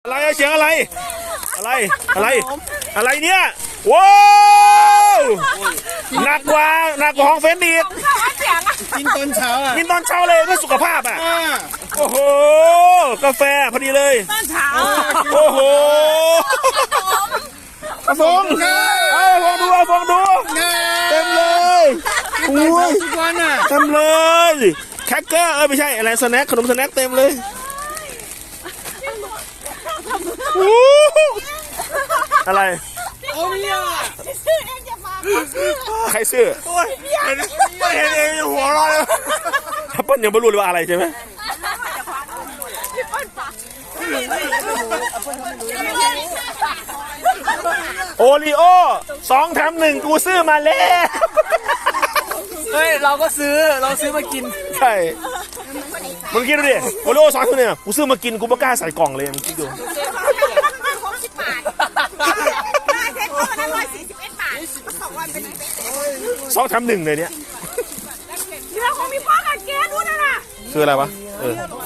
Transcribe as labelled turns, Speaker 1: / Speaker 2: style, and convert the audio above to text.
Speaker 1: อะไรเสียงอะไรอะไรเนี่ยว้าวหนักกว่าของเฟนดีด
Speaker 2: กินตอนเช้าอ่ะ
Speaker 1: กินตอนเช้าเลยเพื่อสุขภาพอ่ะโอ้โหกาแฟพอดีเลย
Speaker 3: ตอนเช้า
Speaker 1: โอ้โหเอาฟองดูเต็มเลยอุ้ย
Speaker 2: ทุกวันอ่ะ
Speaker 1: เต็มเลยแคคเกอร์ไม่ใช่อะไรสแน็คขนมสแน็คเต็มเลยอะไร
Speaker 2: เอาเนี่ย
Speaker 3: ชื่อเองจะมา
Speaker 1: ใครซื้อ
Speaker 2: เห็นเองหัวเราะเลย
Speaker 1: เปิ้ลยังไม่รู้เลยว่าอะไรใช่ไหมโอริโอ2 แถม 1กูซื้อมาแล้ว
Speaker 2: เฮ้ยเราซื้อมากิน
Speaker 1: ใช่มึงคิดดูดิโอริโอ2 แถม 1เนี่ยกูซื้อมากินกูไม่กล้าใส่กล่องเลยมึงคิดดู2 แถม 1เลยเนี่ย
Speaker 3: เรื่องของมีพ่อกับแกดูนั่นน่ะ
Speaker 1: คืออะไรวะ